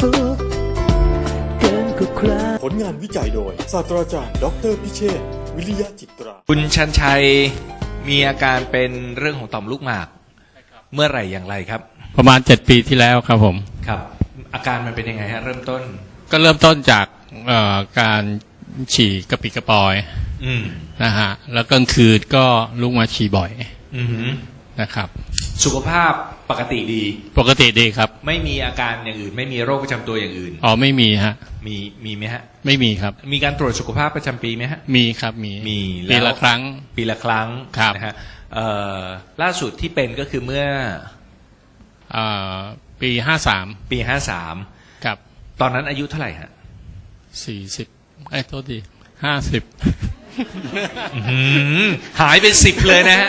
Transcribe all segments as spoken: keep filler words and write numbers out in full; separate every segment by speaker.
Speaker 1: สุขเกินกว่าใคร
Speaker 2: ผลงานวิจัยโดยศาสตราจารย์ดอกเตอรพิเชษฐ์วิริยะจิตรา
Speaker 3: คุณชันชัยมีอาการเป็นเรื่องของต่อมลูกหมากเมื่อไหร่อย่างไรครับ
Speaker 4: ประมาณเจ็ดปีที่แล้วครับผม
Speaker 3: ครับ อาการมันเป็นยังไงฮะเริ่มต้น
Speaker 4: ก็เริ่มต้นจากเอ่อการฉี่กระปิดกระปอย
Speaker 3: อืม
Speaker 4: นะฮะแล้วกลางคืนก็ลุกมาฉี่บ่อย
Speaker 3: อือหือ
Speaker 4: นะครับ
Speaker 3: สุขภาพปกติดี
Speaker 4: ปกติดีครับ
Speaker 3: ไม่มีอาการอย่างอื่น ไม่มีโรคประจำตัวอย่างอื่น
Speaker 4: อ๋อไม่มีฮะ
Speaker 3: มีมีไหมฮะ
Speaker 4: ไม่มีครับ
Speaker 3: มีการตรวจสุขภาพประจำปีไหมฮะ
Speaker 4: มีครับมี
Speaker 3: มี
Speaker 4: ปี
Speaker 3: แว
Speaker 4: ละครั้ง
Speaker 3: ปีละครั้ง
Speaker 4: ครับ
Speaker 3: นะฮะเอ่อล่าสุดที่เป็นก็คือเมื่อ
Speaker 4: เอ่อปีห้าสาม
Speaker 3: ปีห้าสาม
Speaker 4: กับ
Speaker 3: ตอนนั้นอายุเท่าไหร่ฮะ
Speaker 4: สี่สิบไอ้ยโทษทีห้าสิบ
Speaker 3: หายไปสิบเลยนะฮะ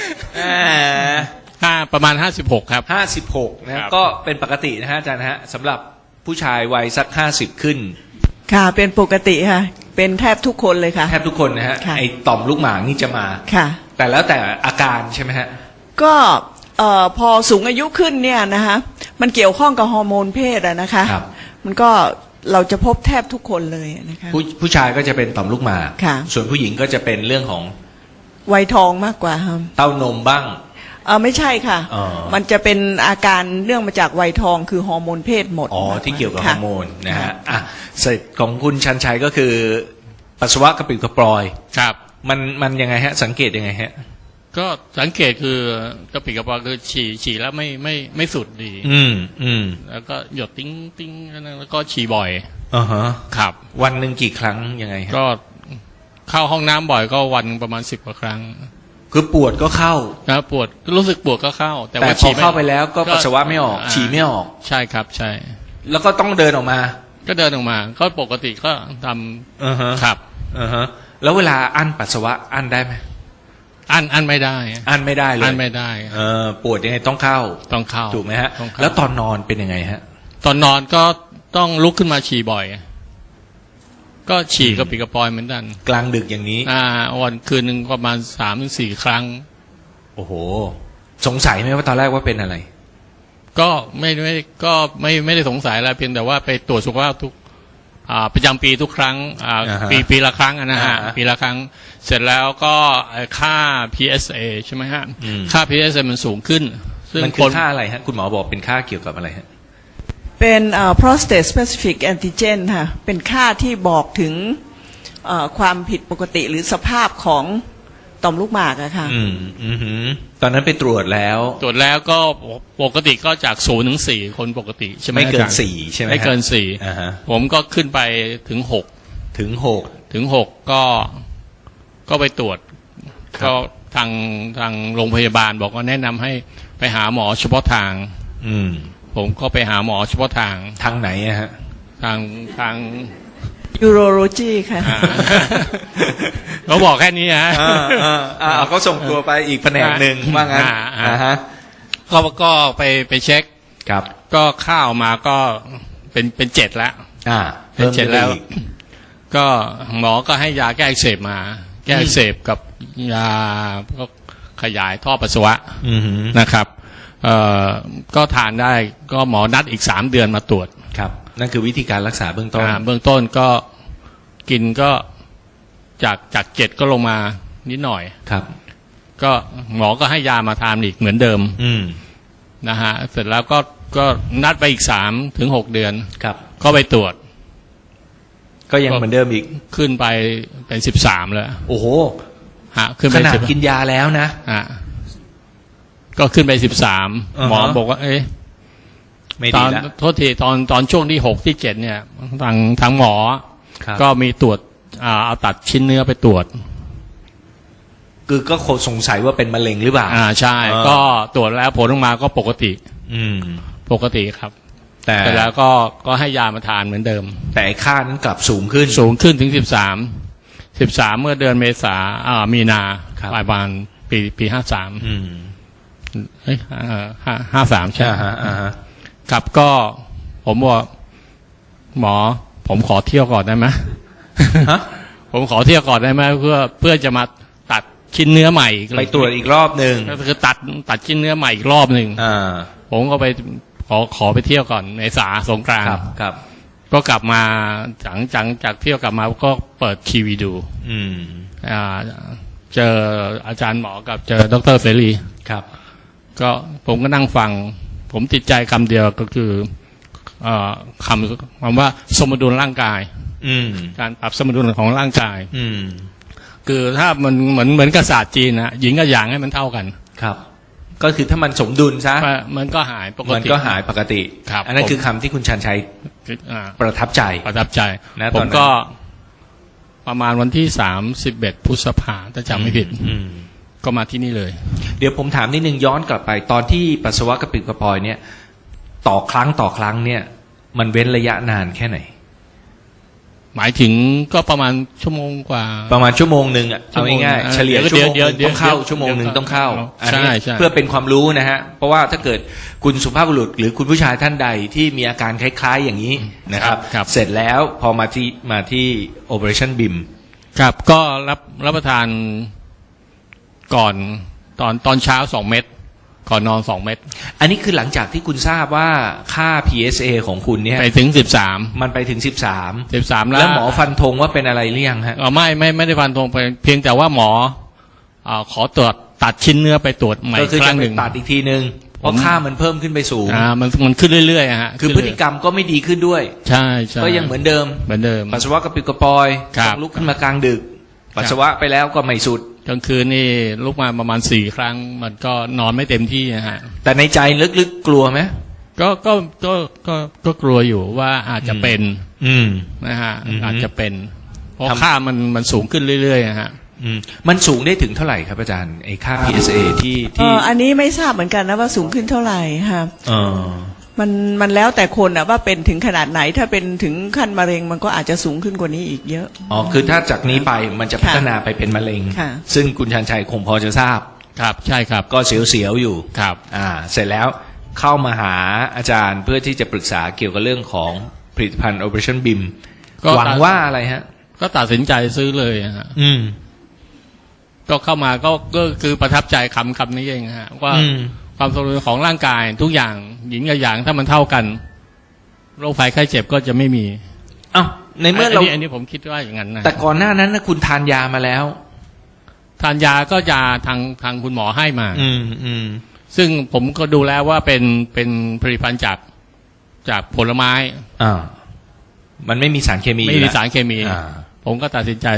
Speaker 4: ห้าประมาณห้าสิบหกครับ
Speaker 3: ห้าสิบหกนะฮะ
Speaker 4: ครับ
Speaker 3: ก็เป็นปกตินะฮะอาจารย์ฮะสำหรับผู้ชายวัยสักห้าสิบขึ้น
Speaker 5: ค่ะเป็นปกติค่ะเป็นแทบทุกคนเลยค่ะ
Speaker 3: แทบทุกคนนะฮะ
Speaker 5: ค่ะ
Speaker 3: ไอต่อมลูกหมากนี่จะมา
Speaker 5: ค่ะ
Speaker 3: แต่แล้วแต่อาการใช่ไหมฮะ
Speaker 5: ก็เอ่อพอสูงอายุขึ้นเนี่ยนะคะมันเกี่ยวข้องกับฮอร์โมนเพศอะนะคะ
Speaker 3: ครับ
Speaker 5: มันก็เราจะพบแทบทุกคนเลยนะคะ
Speaker 3: ผู้ผู้ชายก็จะเป็นต่อมลูกหมาก
Speaker 5: ค่ะ
Speaker 3: ส่วนผู้หญิงก็จะเป็นเรื่องของ
Speaker 5: วัยทองมากกว่าค่ะ
Speaker 3: เต้านมบ้าง
Speaker 5: เออไม่ใช่ค่ะ
Speaker 3: อ๋อ
Speaker 5: มันจะเป็นอาการเรื่องมาจากวัยทองคือฮอร์โมนเพศหมด
Speaker 3: อ๋อ
Speaker 5: มาก
Speaker 3: ที่เกี่ยวกับฮอ
Speaker 5: ค่ะ
Speaker 3: ร์โมนนะฮะอ่ะเสร็จของคุณชันชัยก็คือปัสสาวะกระปิดกระปลอย
Speaker 4: ครับ
Speaker 3: มันมันยังไงฮะ สังเกตยังไงฮะ
Speaker 4: ก็สังเกตคือกระปิดกระปอยคือฉี่ฉี่แล้วไม่ไม่ไม่สุดดี
Speaker 3: อืมอืม
Speaker 4: แล้วก็หยดติ้งติ้งแล้วก็ฉี่บ่อย
Speaker 3: อ่าฮะ
Speaker 4: ครับ
Speaker 3: วันหนึ่งกี่ครั้งยังไงฮะ
Speaker 4: ก็เข้าห้องน้ำบ่อยก็วันประมาณสิบกว่าครั้ง
Speaker 3: คือปวดก็เข้า
Speaker 4: นะปวดรู้สึกปวดก็เข้า แต่
Speaker 3: แต่
Speaker 4: ว่า
Speaker 3: พอ
Speaker 4: ฉี่ม่
Speaker 3: เข้าไปแล้วก็ปัสสาวะไม่ออก ฉี่ไม่ออก
Speaker 4: ใช่ครับใช่
Speaker 3: แล้วก็ต้องเดินออกมา
Speaker 4: ก็เดินออกมา ก็ปกติก็ท
Speaker 3: อ่าฮะ
Speaker 4: ำครับ
Speaker 3: อ่าฮะแล้วเวลาอั้นปัสสาวะอั้นได้ไหม
Speaker 4: อันอันไม่ได้
Speaker 3: อั้นไม่ได้เลย
Speaker 4: อันไม่ได้
Speaker 3: เออปวดยังไงต้องเข้า
Speaker 4: ต้องเข้า
Speaker 3: ถูกไหมฮะ
Speaker 4: ต้องเข้า
Speaker 3: แล้วตอนนอนเป็นยังไงฮะ
Speaker 4: ตอนนอนก็ต้องลุกขึ้นมาฉี่บ่อย ก็ฉี่กระปิดกระปอยเหมือนกัน
Speaker 3: กลางดึกอย่างนี้
Speaker 4: อ่าวันคืนหนึ่งประมาณสามถึงสี่ครั้ง
Speaker 3: โอ้โห สงสัยไหมว่าตอนแรกว่าเป็นอะไร
Speaker 4: ก็ไม่ไม่ก็ไม่ไม่ได้สงสัยอะไรเพียงแต่ว่าไปตรวจสุขภาพทุกอ่าประจำปีทุกครั้งอ่า
Speaker 3: อ่าฮะ
Speaker 4: ปีปีละครั้งอะนะฮะ
Speaker 3: อ่าฮะ
Speaker 4: ปีละครั้ง เสร็จแล้วก็เอ่อค่า พี เอส เอ ใช่ไหมฮะ
Speaker 3: อืม
Speaker 4: ค่า พี เอส เอ มันสูงขึ้น ซึ่ง
Speaker 3: มันคือค่าอะไรฮะ คุณหมอบอกเป็นค่าเกี่ยวกับอะไรฮะ
Speaker 5: เป็นเอ่อ prostate specific antigen ค่ะเป็นค่าที่บอกถึงเอ่อความผิดปกติหรือสภาพของต่อมลูกหมากอะค่ะ
Speaker 3: อืมอือหือตอนนั้นไปตรวจแล้ว
Speaker 4: ตรวจแล้วก็ปกติก็จากศูนย์ถึงสี่คนปกติใช่ไหม
Speaker 3: ไม่เกิน
Speaker 4: อาจารย์
Speaker 3: สี่ใช่ไหมฮะ
Speaker 4: ไม่เกินสี่
Speaker 3: อ่าฮะ
Speaker 4: ผมก็ขึ้นไปถึงหก
Speaker 3: ถึงหก
Speaker 4: ถึงหกก็ก็ไปตรวจ
Speaker 3: ครับ
Speaker 4: ก็ทางทางโรงพยาบาลบอกว่าแนะนำให้ไปหาหมอเฉพาะทาง
Speaker 3: อืม
Speaker 4: ผมก็ไปหาหมอเฉพาะทาง
Speaker 3: ทางไหนอะฮะ
Speaker 4: ทางทาง
Speaker 5: urology ค่ะ
Speaker 4: อ่า เขาบอกแค่นี้ฮะ
Speaker 3: อ่าอ่าอ่าเขาส่งตัวไปอีกแผนกหนึ่งว่างั้น
Speaker 4: อ่าอ่า
Speaker 3: อ่าฮะ
Speaker 4: ก็ก็ไปไปเช็ค
Speaker 3: ครับ
Speaker 4: ก็ข้าวมาก็เป็นเป็นเจ็ดแล้ว
Speaker 3: อ่า
Speaker 4: เป็นเจ็ดแล้ว
Speaker 3: พิ่มขึ้นไปอีก
Speaker 4: ก็หมอก็ให้ยาแก้อักเสบมา แก้อักเสบกับยาก็ขยายท่อปัสสาวะ
Speaker 3: อือหือ
Speaker 4: นะครับเอ่อก็ทานได้ก็หมอนัดอีกสามเดือนมาตรวจ
Speaker 3: ครับ นั่นคือวิธีการรักษาเบื้องต้น
Speaker 4: อ่าเบื้องต้นก็กินก็จากจากเจ็ดก็ลงมานิดหน่อย
Speaker 3: ครับ
Speaker 4: ก็หมอก็ให้ยามาทานอีกเหมือนเดิม
Speaker 3: อืม
Speaker 4: นะฮะเสร็จแล้วก็ก็นัดไปอีกสามถึงหกเดือน
Speaker 3: ครับ
Speaker 4: ก็ไปตรวจ
Speaker 3: ก็ยังเหมือนเดิมอีก
Speaker 4: ขึ้นไปเป็นสิบสามแล้ว
Speaker 3: โอ้โห
Speaker 4: ฮะขึ้น
Speaker 3: ข
Speaker 4: ไป
Speaker 3: นาด
Speaker 4: สิบ
Speaker 3: กินยาแล้วนะ
Speaker 4: ฮะก็ขึ้นไปสิบสาม
Speaker 3: อ่าฮะ
Speaker 4: หมอบอกว่า เอ๊ะ
Speaker 3: ไม่
Speaker 4: ต
Speaker 3: ดี
Speaker 4: อน
Speaker 3: ละ
Speaker 4: โทษทีตอนตอนช่วงที่หกที่เจ็ดเนี่ยทางทางหมอ
Speaker 3: ครับ
Speaker 4: ก็มีตรวจอ่าเอาตัดชิ้นเนื้อไปตรวจ
Speaker 3: คือก็คงสงสัยว่าเป็นมะเร็งหรือเปล่า
Speaker 4: อ่าใช่
Speaker 3: อ่า
Speaker 4: ก็ตรวจแล้วผลออกมาก็ปกติ
Speaker 3: อืม
Speaker 4: ปกติครับ
Speaker 3: แต่
Speaker 4: แต่แล้วก็ก็ให้ยามาทานเหมือนเดิม
Speaker 3: แต่ไอ้ค่านั้นกลับสูงขึ้น
Speaker 4: สูงขึ้นถึงสิบสามสิบสามเมื่อเดือนเมษาอ่ามีนา
Speaker 3: ครับ
Speaker 4: ปลายปานปีปีห้าสาม
Speaker 3: อืม
Speaker 4: เฮ้ยห้าห้าห้าสามใช่
Speaker 3: อ่าฮะอ่าฮะ
Speaker 4: ครับก็ผมบอกหมอ ผมขอเที่ยวก่อนได้ไหม
Speaker 3: ฮะ
Speaker 4: ผมขอเที่ยวก่อนได้ไหมเพื่อเพื่อจะมาตัดชิ้นเนื้อใหม่อีก
Speaker 3: ไปตรวจอีกรอบหนึ่ง
Speaker 4: ก็คือตัดตัดชิ้นเนื้อใหม่อีกรอบหนึ่ง
Speaker 3: อ่า
Speaker 4: ผมก็ไปขอขอไปเที่ยวก่อนเมษาสงกราน
Speaker 3: ครั
Speaker 4: ต์
Speaker 3: บครับ
Speaker 4: ก็กลับมาหลังจากจากเที่ยวกลับมาก็เปิดทีวีดู
Speaker 3: อืม
Speaker 4: อ่าเจออาจารย์หมอกับเจอดรเสรี
Speaker 3: ครับ
Speaker 4: ก็ผมก็นั่งฟัง ผมติดใจคำเดียวก็คือเอ่อคำคำว่าสมดุลร่างกาย
Speaker 3: อืม
Speaker 4: การปรับสมดุลของร่างกาย
Speaker 3: อืม
Speaker 4: คือถ้ามันเหมือนเหมือนกับศาสตร์จีนนะหญิงกับหยางให้มันเท่ากัน
Speaker 3: ครับ ก็คือถ้ามันสมดุลซะ
Speaker 4: มันก็หายปก
Speaker 3: มัน
Speaker 4: ติ
Speaker 3: ก็หายปกติ
Speaker 4: ครับ
Speaker 3: อันนั้น
Speaker 4: ผม
Speaker 3: คือคำที่คุณชันชัย
Speaker 4: อ่า
Speaker 3: ประทับใจ
Speaker 4: ประทับใจ
Speaker 3: นะ
Speaker 4: ผ
Speaker 3: ตอน
Speaker 4: ม
Speaker 3: นั้น
Speaker 4: ก็ประมาณวันที่สามสิบเอ็ดพฤษภาถ้าจำไม่ผิด
Speaker 3: อืม
Speaker 4: ก็มาที่นี่เลย
Speaker 3: เดี๋ยวผมถามนิดนึงย้อนกลับไปตอนที่ปัสสาวะกระปิดกระปอยเนี่ย ต่อครั้งต่อครั้งเนี่ย มันเว้นระยะนานแค่ไหน
Speaker 4: หมายถึงก็ประมาณชั่วโมงกว่า
Speaker 3: ประมาณชั่วโมงหนึ่งอ่ะ
Speaker 4: ชั่
Speaker 3: เอา
Speaker 4: วโมง
Speaker 3: ง่าย
Speaker 4: เออ
Speaker 3: ๆเฉลี่ย
Speaker 4: เดี๋ยว
Speaker 3: ชั่วโมงห
Speaker 4: เดี๋ยว
Speaker 3: นึ่งต้องเข้า
Speaker 4: เดี๋ยว
Speaker 3: ชั่วโมงหนึ่ง
Speaker 4: เดี๋ยว
Speaker 3: ต้องเข้า
Speaker 4: ใช่
Speaker 3: อันนี้
Speaker 4: ใช่
Speaker 3: เพื่อเป็นความรู้นะฮะ เพราะว่าถ้าเกิดคุณสุภาพบุรุษหรือคุณผู้ชายท่านใดที่มีอาการคล้ายๆอย่างนี้นะครับ
Speaker 4: ครับ
Speaker 3: เสร็จแล้วพอมาที่มาที่ Operationบี เอ เอ็ม
Speaker 4: ครับก็รับรับประทานก่อนตอนตอนเช้าสองเม็ดก่อนนอนสองเม็ด
Speaker 3: อันนี้คือหลังจากที่คุณทราบว่าค่า พี เอส เอ ของคุณเนี่ย
Speaker 4: ไปถึงสิบสาม
Speaker 3: มันไปถึงสิบสาม
Speaker 4: สิบสาม
Speaker 3: แล้
Speaker 4: แล้ว ว
Speaker 3: หมอฟันธงว่าเป็นอะไรหรือยังฮะ
Speaker 4: เอ่อไม่ไม่ไม่ได้ฟันธงไปเพียงแต่ว่าหมออ่าขอตรวจตัดชิ้นเนื้อไปตรวจใหม่
Speaker 3: ก็
Speaker 4: อีก
Speaker 3: คือ
Speaker 4: ค
Speaker 3: จะ
Speaker 4: รั้ง
Speaker 3: ไป
Speaker 4: หนึ่ง
Speaker 3: ตัดอีกทีนึงเพราะค่ามันเพิ่มขึ้นไปสูง
Speaker 4: อ่ามันมันขึ้นเรื่อยๆอะฮะ
Speaker 3: คือพฤติกรรมก็ไม่ดีขึ้นด้วย
Speaker 4: ใช่ใช่
Speaker 3: ก็ยังเหมือนเดิม
Speaker 4: เหมือนเดิม
Speaker 3: ปัสสาวะกระปิดกระปอย
Speaker 4: ครับ
Speaker 3: ต้องลุกขึ้นมากลางดึก ปัสสาวะไปแล้วก็ไม่สุด
Speaker 4: กลางคืนนี่ลุกมาประมาณสี่ครั้ง มันก็นอนไม่เต็มที่นะฮะ
Speaker 3: แต่ในใจลึกๆกลัวไหม
Speaker 4: ก็ก็ก็ก็ก็กลัวอยู่ว่าอาจจะเป็น
Speaker 3: อืม
Speaker 4: นะฮะ
Speaker 3: อือฮึ
Speaker 4: อาจจะเป็น เพราะ
Speaker 3: ทำ
Speaker 4: ค่ามันมันสูงขึ้นเรื่อยๆอะฮะ
Speaker 3: อืมมันสูงได้ถึงเท่าไหร่ครับอาจารย์ไอ้ค่า พี เอส เอ ที่
Speaker 5: เอ
Speaker 3: ที่
Speaker 5: ออันนี้ไม่ทราบเหมือนกันนะว่าสูงขึ้นเท่าไหร่ค่ะ
Speaker 3: เออ
Speaker 5: มันมันแล้วแต่คนอะว่าเป็นถึงขนาดไหนถ้าเป็นถึงขั้นมะเร็งมันก็อาจจะสูงขึ้นกว่านี้อีกเยอะ
Speaker 3: อ๋อคือถ้าจากนี้ไปมันจะ
Speaker 5: ค่ะ
Speaker 3: พัฒนาไปเป็นมะเร็ง
Speaker 5: ค่ะ
Speaker 3: ซึ่งคุณชันชัยคงพอจะทราบ
Speaker 4: ครับใช่ครับ
Speaker 3: ก็เสียวๆอยู่
Speaker 4: ครับ
Speaker 3: อ่า เสร็จแล้วเข้ามาหาอาจารย์เพื่อที่จะปรึกษาเกี่ยวกับเรื่องของผลิตภัณฑ์ Operation บี เอ็ม
Speaker 4: ก็
Speaker 3: หวังว่าอะไรฮะ
Speaker 4: ก็ตัดสินใจซื้อเลยอะฮะ
Speaker 3: อืม
Speaker 4: ก็เข้ามาก็ก็คือประทับใจคำคำนี้เองฮะว่า
Speaker 3: อืม
Speaker 4: ความสมดุลของร่างกายทุกอย่างหญิงกับหยางถ้ามันเท่ากันโรคภัยไข้เจ็บก็จะไม่มี
Speaker 3: เอ้าในเมื่อเรา
Speaker 4: นนี้อันนี้ผมคิดว่าอย่างนั้นนะ
Speaker 3: แต่ก่อนหน้านั้นนะคุณทานยามาแล้ว
Speaker 4: ทานยาก็ยาทางทางคุณหมอให้มา
Speaker 3: อืมอืม
Speaker 4: ซึ่งผมก็ดูแล้วว่าเป็นเป็นผลิตภัณฑ์จากจากผลไม้
Speaker 3: อ่า มันไม่มีสารเคมี
Speaker 4: ไม่
Speaker 3: อยู่
Speaker 4: มี
Speaker 3: แล้ว
Speaker 4: สารเคมี
Speaker 3: อ่า
Speaker 4: ผมก็ตัดสินใจ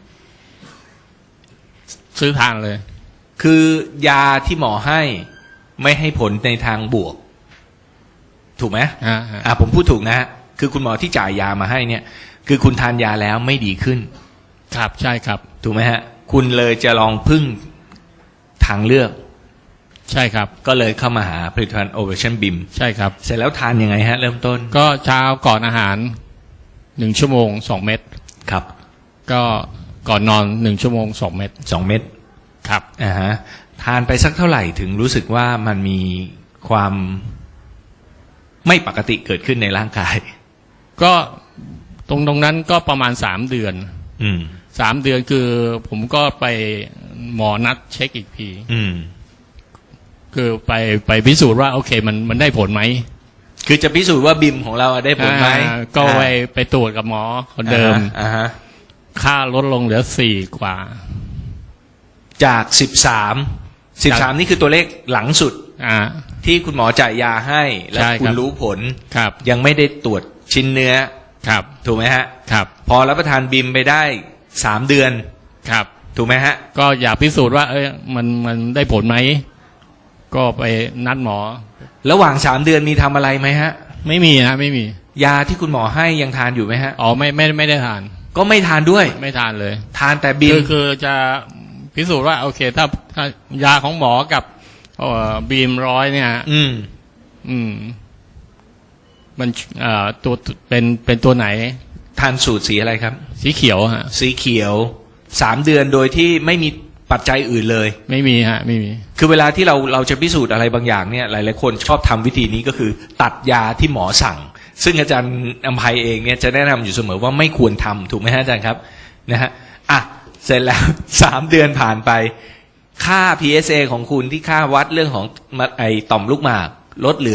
Speaker 4: ซื้อทานเลย
Speaker 3: คือยาที่หมอให้ไม่ให้ผลในทางบวก ถูกไหม
Speaker 4: ฮะฮะ
Speaker 3: อ่าผมพูดถูกนะฮะคือคุณหมอที่จ่ายยามาให้เนี่ย คือคุณทานยาแล้วไม่ดีขึ้น
Speaker 4: ครับใช่ครับ
Speaker 3: ถูกไหมฮะ คุณเลยจะลองพึ่งทางเลือก
Speaker 4: ใช่ครับ
Speaker 3: ก็เลยเข้ามาหาผลิตภัณฑ์ Operation บี เอ็ม
Speaker 4: ใช่ครับ
Speaker 3: เสร็จแล้วทานยังไงฮะ เริ่มต้น
Speaker 4: ก็เช้าก่อนอาหารหนึ่งชั่วโมงสองเม็ด
Speaker 3: ครับ
Speaker 4: ก็ก่อนนอนหนึ่งชั่วโมงสองเม็ด
Speaker 3: สองเม็ด
Speaker 4: ครับ
Speaker 3: อ่าฮะทานไปสักเท่าไหร่ถึงรู้สึกว่ามันมีความไม่ปกติเกิดขึ้นในร่างกาย
Speaker 4: ก็ตรงตรงนั้นก็ประมาณสามเดือน
Speaker 3: อืม
Speaker 4: สามเดือนคือผมก็ไปหมอนัดเช็คอีกที
Speaker 3: อืม
Speaker 4: คือไปไปพิสูจน์ว่าโอเคมันมันได้ผลไหม
Speaker 3: คือจะพิสูจน์ว่าบิมของเราได้ผลไหม
Speaker 4: อ่าก็ไปไปตรวจกับหมอคนเดิม
Speaker 3: อ่าฮะ
Speaker 4: ค่าลดลงเหลือสี่กว่า
Speaker 3: จากสิบสามสิบสามนี่คือตัวเลขหลังสุด
Speaker 4: อ่า
Speaker 3: ที่คุณหมอจ่ายยาให้ และ
Speaker 4: ใช่ครับ
Speaker 3: คุณรู้ผล
Speaker 4: ครับ
Speaker 3: ยังไม่ได้ตรวจชิ้นเนื้อ
Speaker 4: ครับ
Speaker 3: ถูกไหมฮะ
Speaker 4: ครับ
Speaker 3: พอรับประทานบิมไปได้สามเดือน
Speaker 4: ครับ
Speaker 3: ถูกไหมฮะ
Speaker 4: ก็อยากพิสูจน์ว่า เอ้ยมันมันได้ผลไหมก็ไปนัดหมอ
Speaker 3: ระหว่างสามเดือนมีทำอะไรไหมฮะ
Speaker 4: ไม่มีฮะไม่มี
Speaker 3: ยาที่คุณหมอให้ยังทานอยู่ไหมฮะ
Speaker 4: อ๋อไม่ไม่ไม่ได้ทาน
Speaker 3: ก็ไม่ทานด้วย
Speaker 4: ไม่ทานเลย
Speaker 3: ทานแต่บิม
Speaker 4: คือคือจะพิสูจน์ว่าโอเค ถ้าถ้ายาของหมอกับเอ่อบีมร้อยเนี่ย
Speaker 3: อืม
Speaker 4: อืม มันเอ่อตัวเป็นเป็นตัวไหน
Speaker 3: ทานสูตรสีอะไรครับ
Speaker 4: สีเขียวฮะ
Speaker 3: สีเขียวสามเดือนโดยที่ไม่มีปัจจัยอื่นเลย
Speaker 4: ไม่มีฮะ ไม่มี
Speaker 3: คือเวลาที่เราเราจะพิสูจน์อะไรบางอย่างเนี่ยหลายๆคนชอบทำวิธีนี้ก็คือ ตัดยาที่หมอสั่ง ซึ่งอาจารย์อภัยเองเนี่ยจะแนะนำอยู่เสมอว่าไม่ควรทำถูกไหมฮะอาจารย์ครับนะฮะอ่ะเสร็จแล้ว สามเดือนผ่านไป ค่า พี เอส เอ ของคุณที่ค่าวัดเรื่องของไอต่อมลูกหมากลดเหลือ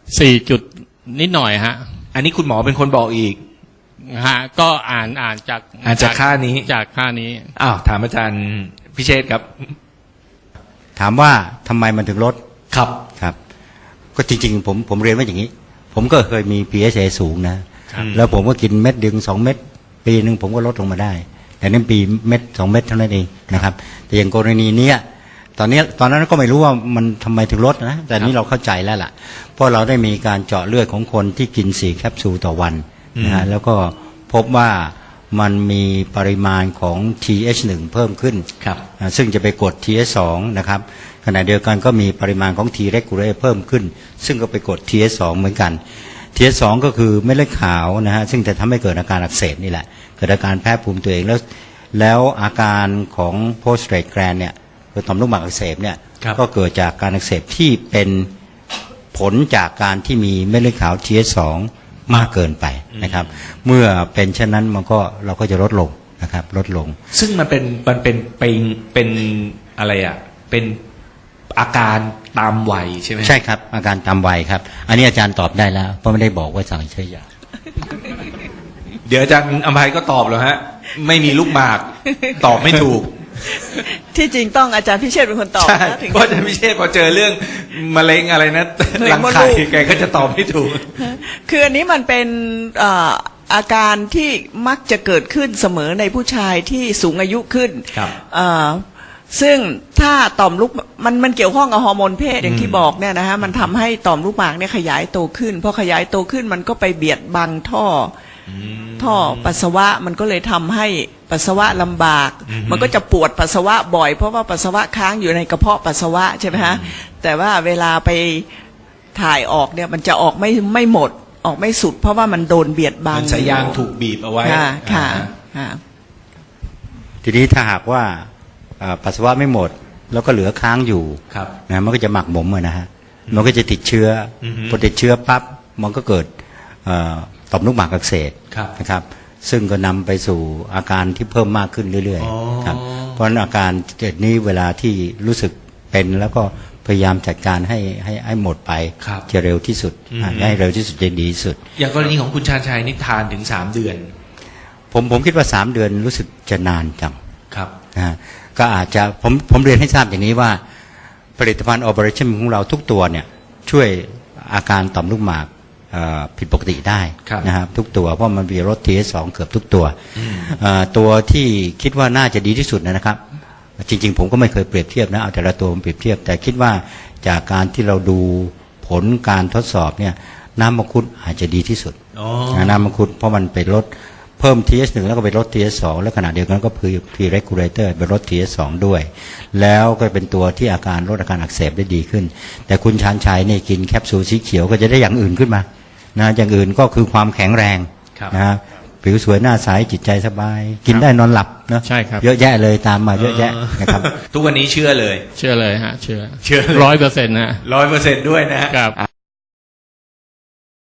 Speaker 4: สี่จุดนิดหน่อยฮะ
Speaker 3: อันนี้คุณหมอเป็นคนบอกอีก
Speaker 4: ฮะก็อ่านอ่านจาก
Speaker 3: อ่านจากค่านี้
Speaker 4: จากค่านี้
Speaker 3: อ้าวถามอาจารย์พิเชษครับ
Speaker 6: ถามว่าทำไมมันถึงลด
Speaker 3: ครับ
Speaker 6: ครับ ก็จริงๆผมผมเรียนว่าอย่างนี้ ผมก็เคยมี พี เอช เอ สูงนะ
Speaker 3: ครับ
Speaker 6: แล้วผมก็กินเม็ดดึงสองเม็ดปีหนึ่งผมก็ลดลงมาได้ แต่นั่นปีเม็ดสองเม็ดเท่านั้นเองนะครับ แต่อย่างกรณีเนี้ยตอนนี้ตอนนั้นก็ไม่รู้ว่ามันทำไมถึงลดนะแต่นี้เราเข้าใจแล้วล่ะเพราะเราได้มีการเจาะเลือดของคนที่กินสี่แคปซูลต่อวันนะฮะแล้วก็พบว่ามันมีปริมาณของ ที เอช หนึ่ง เพิ่มขึ้น
Speaker 3: ครับ
Speaker 6: อ่าซึ่งจะไปกด ที เอช สอง นะครับขณะเดียวกันก็มีปริมาณของ T regulator เพิ่มขึ้น ซึ่งก็ไปกด ที เอช สอง เหมือนกัน ที เอช สอง ก็คือเม็ดเลือดขาวนะฮะซึ่งจะทำให้เกิดอาการอักเสบนี่แหละเกิดอาการแพ้ภูมิตัวเองแล้วแล้วอาการของ postrate gland เนี่ยคือต่อมลูกหมากอักเสบเนี่ย
Speaker 3: ครับ
Speaker 6: ก็เกิดจากการอักเสบที่เป็นผลจากการที่มีเม็ดเลือดขาว ที เอช สอง มากเกินไปนะครับเมื่อเป็นเช่นนั้นมันก็เราก็จะลดลงนะครับลดลง
Speaker 3: ซึ่งมันเป็นมันเป็นเป็นเป็นอะไรอ่ะเป็นอาการตามวัยใช่ไหม
Speaker 6: ใช่ครับอาการตามวัยครับ อันนี้อาจารย์ตอบได้แล้วเพราะไม่ได้บอกว่าสั่งใช้ยา
Speaker 3: เดี๋ยวอาจารย์อภัยก็ตอบแล้วฮะ ไม่มีลูกหมาก ตอบไม่ถูก
Speaker 5: ที่จริงต้องอาจารย์พิเชษฐ์เป็นคนตอบ
Speaker 3: ใช่
Speaker 5: นะถึง
Speaker 3: เพราะอาจารย์พิเชษพอเจอเรื่องมะเร็งอะไรนะ
Speaker 5: มะเร็
Speaker 3: รั
Speaker 5: ง
Speaker 3: ง
Speaker 5: มด
Speaker 3: ไข่
Speaker 5: ลูก
Speaker 3: แกก็จะตอบไม่ถูก
Speaker 5: คืออันนี้มันเป็นเอ่ออาการที่มักจะเกิดขึ้นเสมอในผู้ชายที่สูงอายุขึ้น
Speaker 3: ครับ
Speaker 5: เอ่อซึ่งถ้าต่อมลูกมันมันเกี่ยวข้องกับฮอร์โมนเพศอย่างที่บอกเนี่ยนะฮะมันทำให้ต่อมลูกหมากเนี่ยขยายโตขึ้นพอขยายโตขึ้นมันก็ไปเบียดบังท่ออท่อปัสสาวะมันก็เลยทำให้ปัสสาวะลำบาก
Speaker 3: อือฮึ
Speaker 5: มันก็จะปวดปัสสาวะบ่อยเพราะว่าปัสสาวะค้างอยู่ในกระเพาะปัสสาวะใช่ไหมฮะแต่ว่าเวลาไปถ่ายออกเนี่ยมันจะออกไม่ไม่หมดออกไม่สุด เพราะว่ามันโดนเบียดบัง
Speaker 3: มันสายยางถูกบีบเอาไว้
Speaker 5: ค่ะค่ะ
Speaker 3: อ่า
Speaker 5: ค่ะ
Speaker 6: ทีนี้ถ้าหากว่าเอ่อปัสสาวะไม่หมด แล้วก็เหลือค้างอยู่
Speaker 3: ครับ
Speaker 6: นะมันก็จะหมักหมมอะนะฮะมันก็จะติดเชื้ออ
Speaker 3: อฮึ
Speaker 6: พอติดเชื้อปั๊บมันก็เกิดเอ่อต่อมลูกหมากอักเสบ
Speaker 3: ครับ
Speaker 6: นะครับ ซึ่งก็นำไปสู่อาการที่เพิ่มมากขึ้นเรื่อย
Speaker 3: อ๋อ
Speaker 6: ๆครับเพราะฉะนั้นอาการเกิดนี้เวลาที่รู้สึกเป็นแล้วก็พยายามจัดการให้ให้ให้หมดไป
Speaker 3: ครับ
Speaker 6: จะเร็วที่สุด
Speaker 3: อือฮึ
Speaker 6: ให้เร็วที่สุดจะดีที่สุด
Speaker 3: อย่างกรณีของคุณชาญชัยนี่ทานถึงสามเดือน
Speaker 6: ผมผมคิดว่าสามเดือนรู้สึกจะนานจัง
Speaker 3: ครับ
Speaker 6: นะฮะก็อาจจะผมผมเรียนให้ทราบอย่างนี้ว่าผลิตภัณฑ์ Operation ของเราทุกตัวเนี่ยช่วยอาการต่อมลูกหมากเอ่อผิดปกติได้
Speaker 3: ครับ
Speaker 6: นะครับทุกตัวเพราะมันมีรส ที เอช สอง เกือบทุกตัวเอ่อตัวที่คิดว่าน่าจะดีที่สุดนะครับ จริงๆผมก็ไม่เคยเปรียบเทียบนะเอาแต่ละตัวมาเปรียบเทียบ แต่คิดว่าจากการที่เราดูผลการทดสอบเนี่ยน้ำมังคุดอาจจะดีที่สุด
Speaker 3: อ๋อ
Speaker 6: นะน้ำมังคุดเพราะมันไปลดเพิ่ม ที เอช หนึ่ง แล้วก็ไปลด ที เอช สอง แล้วขณะเดียวกันก็คือ T regulator ไปลด ที เอช สอง ด้วย แล้วก็เป็นตัวที่อาการลดอาการอักเสบได้ดีขึ้น แต่คุณชาญชัยนี่กินแคปซูลสีเขียวก็จะได้อย่างอื่นขึ้นมานะอย่างอื่นก็คือความแข็งแรง
Speaker 3: ครับ
Speaker 6: นะฮะผิวสวยหน้าใสจิตใจสบาย กินได้นอนหลับเนอะ
Speaker 4: ใช่ครับ
Speaker 6: เยอะแยะเลยตามมาเยอะแยะนะครับ
Speaker 3: ทุกวันนี้เชื่อเลย
Speaker 4: เชื่อเลยฮะ เชื่อ
Speaker 3: เชื่อเลย
Speaker 4: ร้อยเปอร์เซ็นต์นะ
Speaker 3: ร้อยเปอร์เซ็นต์ด้วยนะฮะ
Speaker 4: ครับ